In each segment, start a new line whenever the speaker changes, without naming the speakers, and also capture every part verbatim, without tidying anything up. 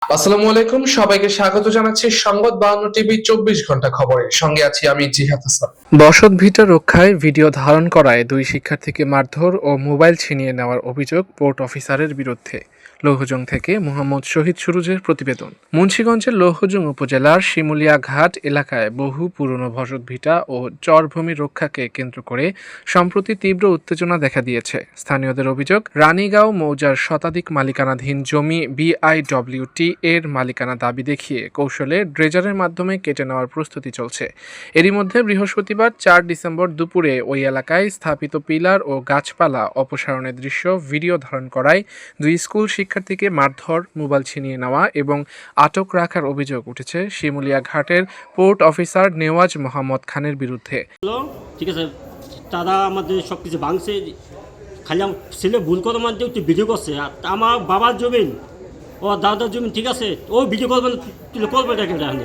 আসসালামু আলাইকুম, সবাইকে স্বাগত জানাচ্ছি সংবাদ বাহান্ন টিভি চব্বিশ ঘন্টা খবরে। সঙ্গে আছি আমি জিহাদ হাসান। বসত ভিটা রক্ষায় ভিডিও ধারণ করায় দুই শিক্ষার্থীকে মারধর ও মোবাইল ছিনিয়ে নেওয়ার অভিযোগ পোর্ট অফিসারের বিরুদ্ধে। লৌহজং থেকে মোহাম্মদ শহীদ সুরুজের প্রতিবেদন। মুন্সিগঞ্জের লৌহজং উপজেলার শিমুলিয়া ঘাট এলাকায় বহু পুরনো বসত ভিটা ও চরভূমি রক্ষাকে কেন্দ্র করে সম্প্রতি তীব্র উত্তেজনা দেখা দিয়েছে। স্থানীয়দের অভিযোগ, রানীগাঁও মৌজার শতাধিক মালিকানাধীন জমি বিআইডব্লিউটি এর মালিকানা দাবি দেখিয়ে কৌশলে ড্রেজারের মাধ্যমে কেটে নেওয়ার প্রস্তুতি চলছে। এরই মধ্যে বৃহস্পতিবার চার ডিসেম্বর দুপুরে ওই এলাকায় স্থাপিত পিলার ও গাছপালা অপসারণের দৃশ্য ভিডিও ধারণ করায় দুই স্কুল শিক্ষার্থীকে মারধর, মোবাইল ছিনিয়ে নেওয়া এবং আটক রাখার অভিযোগ উঠেছে শিমুলিয়া ঘাটের পোর্ট অফিসার নেওয়াজ মোহাম্মদ খানের বিরুদ্ধে।
ঠিক আছে, তারা আমাদের সব কিছু ভাঙছে, খালি আমার ছেলে ভুল করে মানতে একটু ভিডিও করছে। আর আমার বাবার জমিন, ও দাদার জমিন, ঠিক আছে, ও ভিডিও করবেন, তুলে করবে এটাকে জানে।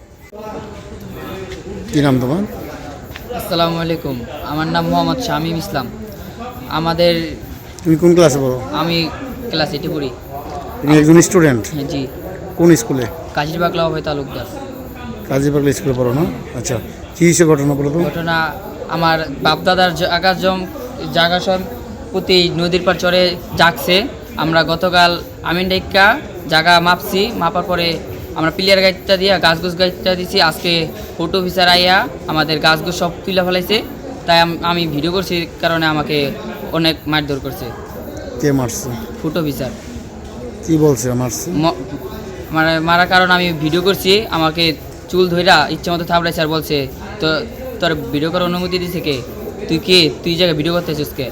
কি নাম তোমার?
আসসালামু আলাইকুম, আমার নাম মোহাম্মদ শামীম ইসলাম। আমাদের
তুমি কোন ক্লাসে পড়ো?
আমি ক্লাস এইটে পড়ি।
তুমি একজন স্টুডেন্ট?
হ্যাঁ জি।
কোন স্কুলে?
কাজীর বাগলা অভয় তালুকদার।
কাজী পাগলা স্কুলে পড়ো না? আচ্ছা, কী হিসেবে ঘটনা বলো তো?
ঘটনা, আমার বাপদাদার জায়গা জম জায়গা সম্পত্তি নদীর পার চরে জাগছে। আমরা গতকাল আমিন ডাইকা জায়গা মাপছি, মাপার পরে আমরা পিলিয়ার গাইডটা দিয়ে গাছ গোছ গাইডটা দিছি। আজকে ফটো অফিসার আইয়া আমাদের গাছ গোছ সব তুলে ফেলাইছে, তাই আমি ভিডিও করছি, কারণে আমাকে অনেক মারধর করছে।
কে মারছে?
Photo officer.
কি বলছে মারছে?
মানে মারার কারণ আমি ভিডিও করছি, আমাকে চুল ধইরা ইচ্ছে মতো থাপড়াইছে আর বলছে, তো তোর ভিডিও করার অনুমতি দিছে কে? তুই কে? তুই জায়গায় ভিডিও করতেছিস কে?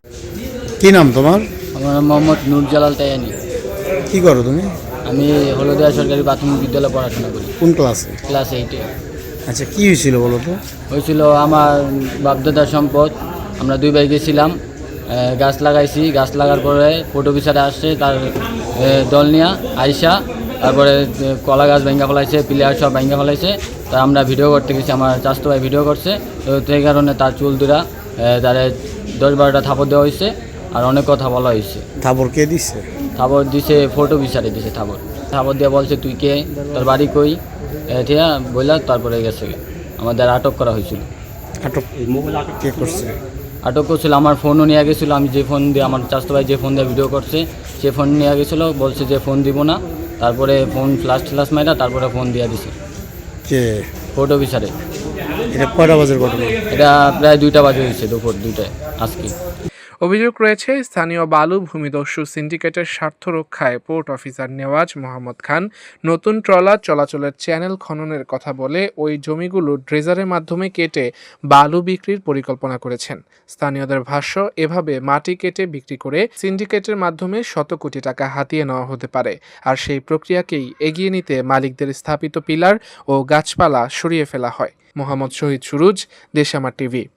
কি নাম তোমার?
আমার নাম মোহাম্মদ নুরজালাল তায়ানি।
কি করো তুমি?
আমি হলদিয়া সরকারি প্রাথমিক বিদ্যালয়ে পড়াশোনা করি।
কোন ক্লাসে?
ক্লাস এইটে।
আচ্ছা, কি হয়েছিল বলো তো?
হয়েছিল আমার বাপদাদার সম্পদ। আমরা দুই ভাই গেছিলাম, গাছ লাগাইছি। গাছ লাগার পরে ফটো অফিসারে আসছে, তার দল নিয়ে আইসা তারপরে কলা গাছ ভেঙ্গা ফেলাইছে, প্লেয়ার সব ভেঙ্গা ফেলাইছে। তা আমরা ভিডিও করতে গেছি, আমার চাচতো ভাই ভিডিও করছে। তো সেই কারণে তার চুল দুরা তারে দশ বারোটা থাপড় দেওয়া হয়েছে, আর অনেক কথা বলা হয়েছে।
থাপড় কে দিচ্ছে?
থাপড় দিছে ফটো অফিসারে দিছে। থাপড় থাপড় দিয়ে বলছে, তুই কে, তোর বাড়ি কই, ঠিক আছে বললা। তারপরে গেছে, আমাদের আটক করা হয়েছিল।
আটক কে করছে?
আটক করছিল, আমার ফোনও নিয়ে গেছিলো। আমি যে ফোন দিয়ে, আমার চাচতো ভাই যে ফোন দিয়ে ভিডিও করছে, সে ফোন নিয়ে গেছিলো, বলছে যে ফোন দিব না। তারপরে ফোন ফ্লাশ ফ্লাশ মাইরা তারপরে ফোন দিয়ে দিছে
কে?
ফটো অফিসারে।
এটা কয়টা বাজের ঘটনা?
এটা প্রায় দুইটা বাজে হয়েছে, দুপুর দুইটায় আজকে।
অভিযোগ রয়েছে, স্থানীয় বালু ভূমিদস্যু সিন্ডিকেটের স্বার্থ রক্ষায় পোর্ট অফিসার নেওয়াজ মোহাম্মদ খান নতুন ট্রলার চলাচলের চ্যানেল খননের কথা বলে ওই জমিগুলো ড্রেজারের মাধ্যমে কেটে বালু বিক্রির পরিকল্পনা করেছেন। স্থানীয়দের ভাষ্য, এভাবে মাটি কেটে বিক্রি করে সিন্ডিকেটের মাধ্যমে শত কোটি টাকা হাতিয়ে নেওয়া হতে পারে। আর সেই প্রক্রিয়াকেই এগিয়ে নিতে মালিকদের স্থাপিত পিলার ও গাছপালা সরিয়ে ফেলা হয়। মোহাম্মদ শহীদ সুরুজ, দেশামার টিভি।